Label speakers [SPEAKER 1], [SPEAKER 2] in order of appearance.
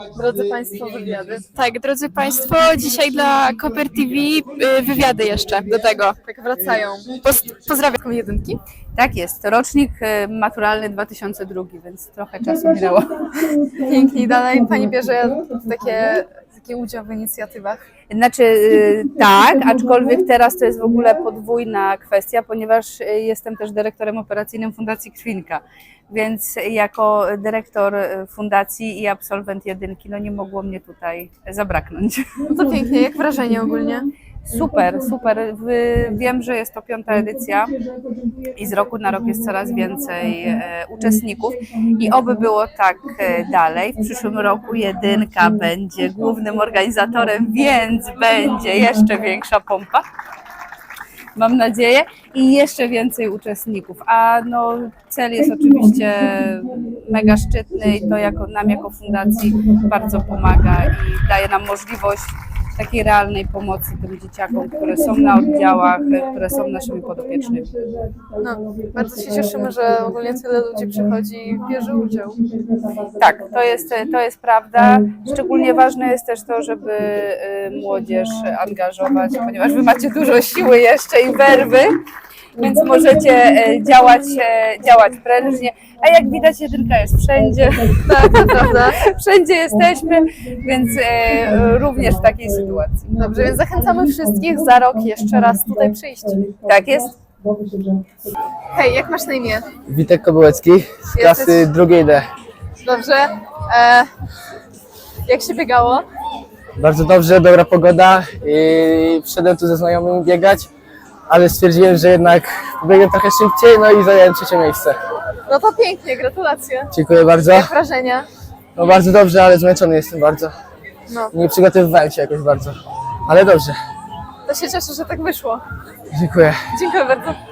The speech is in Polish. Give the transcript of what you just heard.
[SPEAKER 1] Drodzy Państwo, wywiady. Tak, drodzy Państwo, dzisiaj dla Koper TV wywiady jeszcze do tego. Tak wracają. Pozdrawiam jedynki.
[SPEAKER 2] Tak jest, rocznik maturalny 2002, więc trochę czasu minęło.
[SPEAKER 1] Pięknie. Dalej Pani bierze taki udział w inicjatywach.
[SPEAKER 2] Znaczy tak, aczkolwiek teraz to jest w ogóle podwójna kwestia, ponieważ jestem też dyrektorem operacyjnym Fundacji Krwinka, więc jako dyrektor fundacji i absolwent jedynki, no nie mogło mnie tutaj zabraknąć.
[SPEAKER 1] No to pięknie, jak wrażenie ogólnie?
[SPEAKER 2] Super, super. Wiem, że jest to 5. edycja i z roku na rok jest coraz więcej uczestników i oby było tak dalej. W przyszłym roku jedynka będzie głównym organizatorem, więc będzie jeszcze większa pompa. Mam nadzieję, i jeszcze więcej uczestników. A no, cel jest oczywiście mega szczytny i to nam jako fundacji bardzo pomaga i daje nam możliwość takiej realnej pomocy tym dzieciakom, które są na oddziałach, które są naszymi podopiecznymi.
[SPEAKER 1] No, bardzo się cieszymy, że ogólnie tyle ludzi przychodzi i bierze udział.
[SPEAKER 2] Tak, to jest prawda. Szczególnie ważne jest też to, żeby młodzież angażować, ponieważ wy macie dużo siły jeszcze i werwy, więc możecie działać prężnie. A jak widać, jedynka jest wszędzie.
[SPEAKER 1] Tak, to prawda.
[SPEAKER 2] Wszędzie jesteśmy, więc również w takiej sytuacji.
[SPEAKER 1] Dobrze, więc zachęcamy wszystkich za rok jeszcze raz tutaj przyjść.
[SPEAKER 2] Tak jest.
[SPEAKER 1] Hej, jak masz na imię?
[SPEAKER 3] Witek Kobyłecki z klasy drugiej D.
[SPEAKER 1] Dobrze. Jak się biegało?
[SPEAKER 3] Bardzo dobrze, dobra pogoda i wszedłem tu ze znajomymi biegać, ale stwierdziłem, że jednak pobiegłem trochę szybciej, no i zająłem 3. miejsce.
[SPEAKER 1] No to pięknie, gratulacje.
[SPEAKER 3] Dziękuję bardzo.
[SPEAKER 1] Jak wrażenia?
[SPEAKER 3] No bardzo dobrze, ale zmęczony jestem bardzo.
[SPEAKER 1] No,
[SPEAKER 3] Nie przygotowywałem się jakoś bardzo, ale dobrze.
[SPEAKER 1] to się cieszę, że tak wyszło.
[SPEAKER 3] Dziękuję.
[SPEAKER 1] Dziękuję bardzo.